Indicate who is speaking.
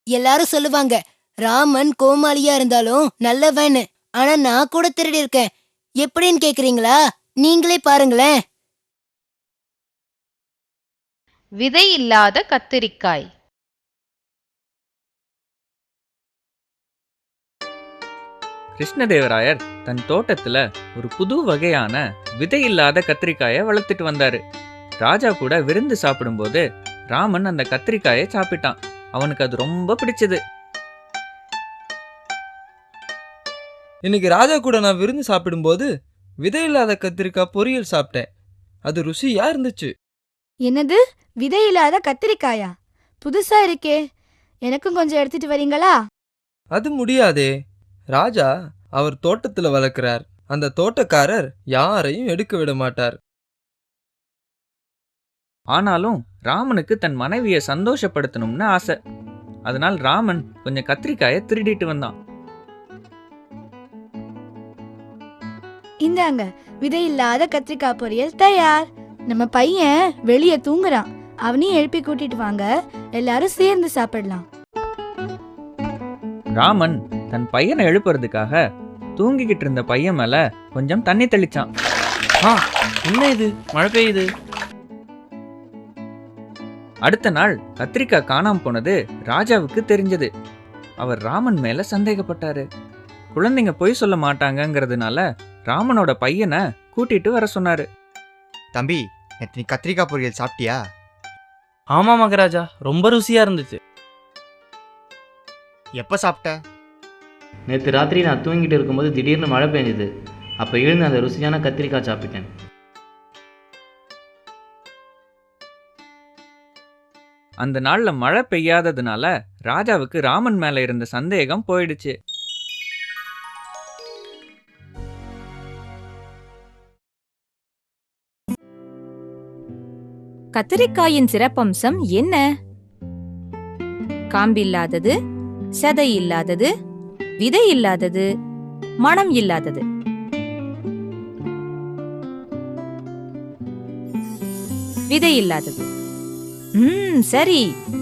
Speaker 1: எல்லாரும் சொல்லுவாங்க ராமன் கோமாளியா இருந்தாலும் நல்லவன்னு. ஆனா நான் கூட திருடி இருக்கேன். எப்படின்னு கேக்குறீங்களா? நீங்களே பாருங்களேன்.
Speaker 2: விதை இல்லாத கத்திரிக்காய்.
Speaker 3: கிருஷ்ணதேவராயர் தன் தோட்டத்துல ஒரு புது வகையான விதையில்லாத கத்திரிக்காயை வளர்த்துட்டு வந்தாரு. ராஜா கூட விருந்து சாப்பிடும்போது ராமன் அந்த கத்திரிக்காயை சாப்பிட்டான். அவனுக்கு அது ரொம்ப பிடிச்சது.
Speaker 4: இன்னைக்கு ராஜா கூட நான் விருந்து சாப்பிடும்போது விதையில்லாத கத்திரிக்காய் பொரியல் சாப்பிட்டேன். அது ருசியா இருந்துச்சு.
Speaker 5: என்னது, விதை இல்லாத கத்திரிக்காயா? புதுசா இருக்கே. எனக்கும் கொஞ்சம் எடுத்துட்டு வரீங்களா?
Speaker 4: அது முடியாதே. ராஜா அவர் தோட்டத்துல வளர்க்கிறார். அந்த தோட்டக்காரர் யாரையும் எடுக்க விட மாட்டார்.
Speaker 3: ஆனாலும் ராமனுக்கு தன் மனைவியை சந்தோஷப்படுத்தணும்னு ஆசை. அதனால் ராமன் கொஞ்சம் கத்திரிக்காயை திருடிட்டு வந்தான்.
Speaker 5: இந்தாங்க, விதை இல்லாத கத்திரிக்காய் பொரியல் தயார். நம்ம பையன் வெளியே தூங்குறான். அவனையும் எழுப்பி கூட்டிட்டு வாங்க, எல்லாரும் சேர்ந்து சாப்பிடலாம்.
Speaker 3: ராமன் தன் பையனை எழுப்புறதுக்காக தூங்கிக்கிட்டு இருந்த பையன் மேல கொஞ்சம் தண்ணி தெளிச்சான்.
Speaker 6: என்ன இது, மழை பெய்யுது.
Speaker 3: அடுத்த நாள் கத்திரிக்காய் காணாம போனது ராஜாவுக்கு தெரிஞ்சது. அவர் ராமன் மேல சந்தேகப்பட்டாரு. குழந்தைங்க பொய் சொல்ல மாட்டாங்கங்கிறதுனால ராமனோட பையனை கூட்டிட்டு வர சொன்னாரு.
Speaker 7: தம்பி, நேற்று நீ கத்திரிக்காய் பொரியல் சாப்பிட்டியா?
Speaker 6: ஆமா மகாராஜா, ரொம்ப ருசியா இருந்துச்சு.
Speaker 7: எப்போ சாப்பிட்ட?
Speaker 8: நேற்று ராத்திரி நான் தூங்கிட்டு இருக்கும்போது திடீர்னு மழை பெஞ்சுது. அப்போ எழுந்து அந்த ருசியான கத்திரிக்காய் சாப்பிட்டேன்.
Speaker 3: அந்த நாள்ல மழை பெய்யாததுனால ராஜாவுக்கு ராமன் மேல இருந்த சந்தேகம் போயிடுச்சு.
Speaker 9: கத்திரிக்காயின் சிறப்பம்சம் என்ன? காம்பில்லாதது, சதை இல்லாதது, விதை இல்லாதது, மணம் இல்லாதது. விதை இல்லாதது. சரி,